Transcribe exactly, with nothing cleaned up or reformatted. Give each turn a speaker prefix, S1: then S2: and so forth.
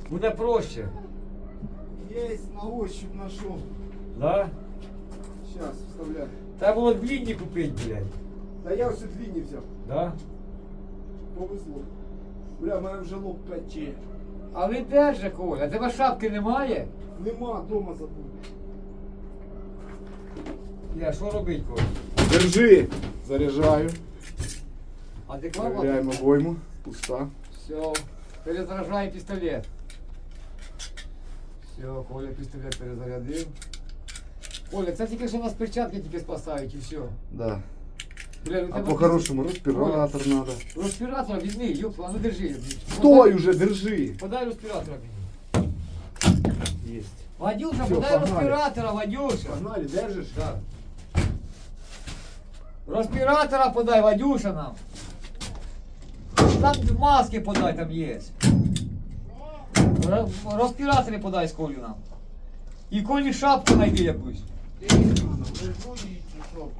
S1: Буде проще.
S2: Есть, на ощупь нашел.
S1: Да?
S2: Сейчас вставляю.
S1: Треба було длинні купити, блядь.
S2: Да я все длинні взяв.
S1: Да?
S2: Повезло. Бля, мене вже лоб пече.
S1: Але держи, Коля, а тебе шапки немає?
S2: Нема, дома забув.
S1: Я, що робить, Коля?
S2: Держи. Заряджаю.
S1: Адекватно?
S2: Проверяємо обойму. Пуста.
S1: Все, перезаряджай пістолет. Все, Коля пістолет перезарядив. Коля, це тільки що у нас перчатки тільки спасають і все.
S2: Да.
S1: Бля, ну
S2: А
S1: тебе
S2: по-хорошему респіратор надо.
S1: Респіратора візьми, ёп, а ну держи.
S2: Стой уже, держи.
S1: Подай респіратора мені.
S2: Есть.
S1: Вадюша,
S2: Всё,
S1: подай
S2: погнали.
S1: респіратора, Вадюша.
S2: Погнали, держишь?
S1: Да. Респіратора подай, Вадюша нам. Там маски подай, там є. Ре- Респіратори подай з Колю нам. І Колі шапку найди якусь.
S2: Ладно, уже вроде